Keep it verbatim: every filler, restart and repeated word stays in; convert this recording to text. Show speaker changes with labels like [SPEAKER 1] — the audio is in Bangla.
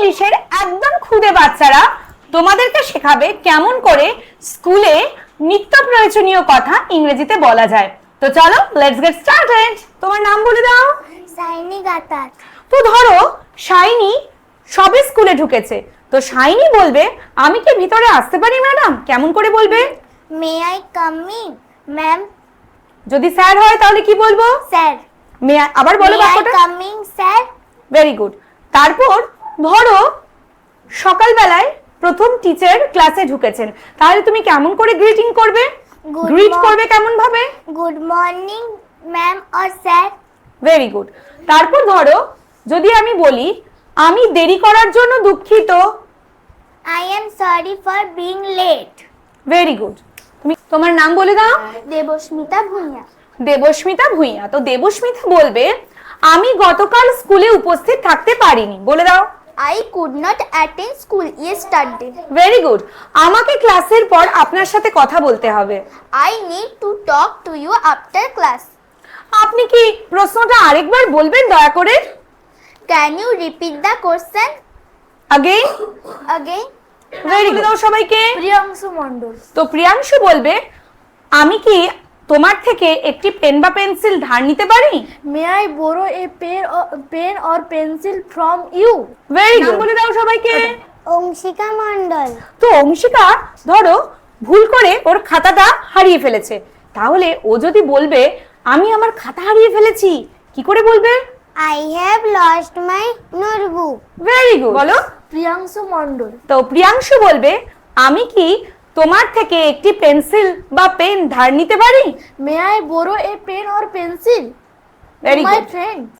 [SPEAKER 1] ইংলিশের একদম খুদে বাচ্চারা তোমাদেরকে শেখাবে কেমন করে স্কুলে নিত্য প্রয়োজনীয় কথা ইংরেজিতে বলা যায়। তো চলো লেটস গেট স্টার্টেড। তোমার নাম বলে দাও।
[SPEAKER 2] সাইনি গাতার।
[SPEAKER 1] তো ধরো শাইনি সবে স্কুলে ঢুকেছে, তো শাইনি বলবে আমি কি ভিতরে আসতে পারি ম্যাডাম? কেমন করে বলবে?
[SPEAKER 2] May I come in ma'am?
[SPEAKER 1] যদি স্যার হয় তাহলে কি বলবো?
[SPEAKER 2] স্যার।
[SPEAKER 1] মে আবার বলো
[SPEAKER 2] মে আই
[SPEAKER 1] বাক্যটা।
[SPEAKER 2] Come in sir?
[SPEAKER 1] Very good. তারপর ধরো সকালবেলায় প্রথম টিচার ক্লাসে ঢুকেছেন, তাহলে তুমি কেমন করে গ্রিটিং করবে?
[SPEAKER 2] Good
[SPEAKER 1] greet
[SPEAKER 2] morning.
[SPEAKER 1] করবে কেমন ভাবে?
[SPEAKER 2] Good morning ma'am or sir?
[SPEAKER 1] Very good. তারপর ধরো যদি আমি বলি আমি দেরি করার জন্য দুঃখিত।
[SPEAKER 2] I am sorry for being late.
[SPEAKER 1] Very good. তুমি তোমার নাম বলে দাও।
[SPEAKER 2] দেবস্মিতা ভুঁইয়া।
[SPEAKER 1] দেবস্মিতা ভুঁইয়া। তো দেবস্মিতা বলবে আমি গতকাল স্কুলে উপস্থিত থাকতে পারিনি। বলে দাও।
[SPEAKER 2] I could not attend school yesterday.
[SPEAKER 1] Very good. আমাকে ক্লাসের পর আপনার সাথে কথা বলতে হবে।
[SPEAKER 2] I need to talk to you after class.
[SPEAKER 1] আপনি কি প্রশ্নটা আরেকবার বলবেন দয়া করে?
[SPEAKER 2] Can you repeat the question
[SPEAKER 1] again.
[SPEAKER 2] again?
[SPEAKER 1] Very good. দাও সবাইকে।
[SPEAKER 2] প্রিয়াংশু মণ্ডল।
[SPEAKER 1] তো প্রিয়াংশু বলবে আমি কি তোমার থেকে একটি পেন বা পেন্সিল ধার নিতে পারি?
[SPEAKER 3] May I borrow a pen or, pen or pencil from you?
[SPEAKER 1] Very good. বলে দাও সবাইকে।
[SPEAKER 2] অংশিকা মণ্ডল।
[SPEAKER 1] তো অংশিকা ধরো ভুল করে ওর খাতাটা হারিয়ে ফেলেছে, তাহলে ও যদি বলবে আমি আমার খাতা হারিয়ে ফেলেছি, কি করে বলবে?
[SPEAKER 2] I have lost my notebook.
[SPEAKER 1] Very good. বলো।
[SPEAKER 3] প্রিয়াংশু মণ্ডল।
[SPEAKER 1] তো প্রিয়াংশু বলবে আমি কি তোমার থেকে একটি পেন্সিল বা পেন ধার নিতে পারি?
[SPEAKER 3] May I borrow a pen or pencil?
[SPEAKER 1] Very
[SPEAKER 3] My
[SPEAKER 1] good.
[SPEAKER 3] friend.